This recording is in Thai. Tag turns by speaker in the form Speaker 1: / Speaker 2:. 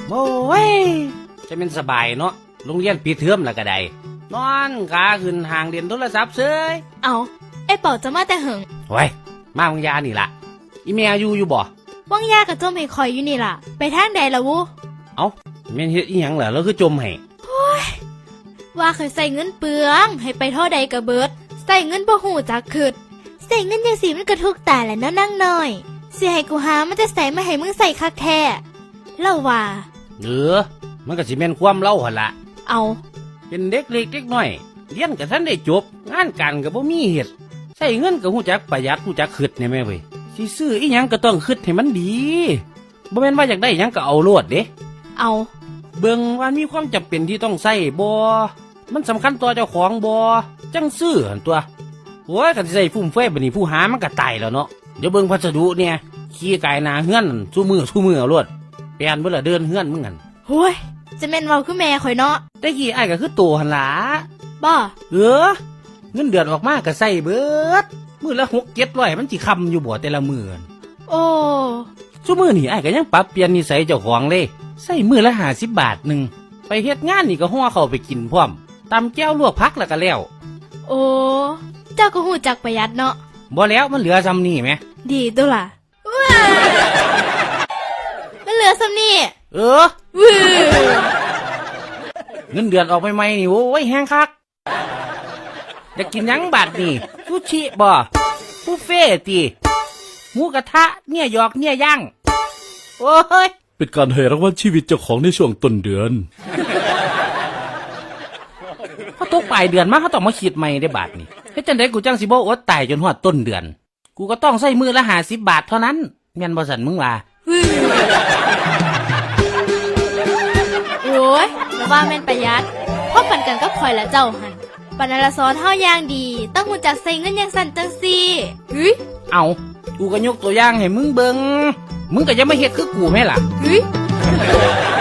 Speaker 1: โอ้ยจะเป็นสบายเนาะโรงเรียนปิดเทอมแล้วก็ได้นอนขาขึ้นห่างเรียนโทรศัพท์เฉย
Speaker 2: เอาไอ้เป่าจะมาแต่เหิง
Speaker 1: โอ้ยมาวังยานี่ล่ะอีเมียอยู่บ่
Speaker 2: ว่างยากับจมให้คอยอยู่นี่ล่ะไปทางใดล่ะวู
Speaker 1: เอ้าแม่นเฮ็ดอีหยังเหรอแล้วคือจมให้
Speaker 2: ว่าเคยใส่เงินเปลืองให้ไปเท่าใดก็เบิดใส่เงินบ่หูจักคืดใส่เงินจังสีมันก็ทุกตาแหละเนาะนั่งน้อยสิให้กูหามันจะใส่มาให้มึงใส่คักแท้เล่าว่า
Speaker 1: มันก็สิแม่นความเล่าหั่นล่ะ
Speaker 2: เอา
Speaker 1: เป็นเด็กเล็กเด็กน้อยเรียนก็ทันได้จบงานการก็บ่มีเฮ็ดใช้เงินก็ฮู้จักประหยัดฮู้จักคิดแน่แม่เว้ยสิซื้ออีหยังก็ต้องคิดให้มันดีบ่แม่นว่าอยากได้หยังก็เอาโลดเด้
Speaker 2: เอา
Speaker 1: เบิ่งว่ามีความจำเป็นที่ต้องใช้บ่มันสำคัญต่อเจ้าของบ่จังซื้อหั่นตัวโอ้ยคันสิใช้ฟุ่มเฟือยบัดนี้ผู้หามันก็ตายแล้วเนาะเดี๋ยวเบิ่งพัสดุเนี่ยขี้กายหน้าเฮือนซุมื้อเอาโลดเปลี่ยนเบิดละเดินเฮือนมึงหั่น
Speaker 2: โอ้ยจะแม่นเว้าคือแม่ข่อยเนาะ
Speaker 1: แต่กี้อ้ายก็คือโตหั่นล่ะ
Speaker 2: บ่
Speaker 1: เงินเดือนออกมาก็ใช้เบิดมื้อละ6-700มันสิค้ำอยู่บ่แต่ละมื้อ
Speaker 2: โอ้
Speaker 1: ซุมื้อนี้อ้ายก็ยังปรับเปลี่ยนนิสัยเจ้าของเลยใช้มื้อละ50 บาทนึงไปเฮ็ดงานนี่ก็ห่อเข้าไปกินพร้อมตำแก้วลวกผักแล้วก็แล้ว
Speaker 2: โอ้เจ้าก็ฮู้จักประหยัดเนาะ
Speaker 1: บ่แล้วมันเหลือซ้ำนี่แหม
Speaker 2: ดีตัวล่ะมันเหลือซ้ำนี่
Speaker 1: เงินเดือนออกใหม่ๆนี่โอ้ยแห้งคักอยากกินหยังบาดนี่ซูชิบ่บุฟเฟ่ติหมูกระทะเนี่ยหยอกเนี่ยย่างโอ้ย
Speaker 3: เป็นการให้รางวัลชีวิตเจ้าของในช่วงต้นเดือน
Speaker 1: พอตกปลายเดือนมาเขาต้องมาคิดใหม่ได้บาทนี่เฮ็ดจังได๋กูจังสิบ่อดตายจนฮอดต้นเดือนกูก็ต้องใช้มื้อละ50 บาทเท่านั้นแม่นบ่สั่นมึงว่า
Speaker 2: โอ้ยแล้วว่าแม่นประหยัดพบกันกับข่อยและเจ้าหั่นปานนั้นละสอนเฮาอย่างดีต้องรู้จักใช้เงินอย่างสั่นจังซี่
Speaker 1: เอากูก็ยกตัวอย่างให้มึงเบิ่งมึงก็อย่ามาเฮ็ดคือกูแม่ล่ะ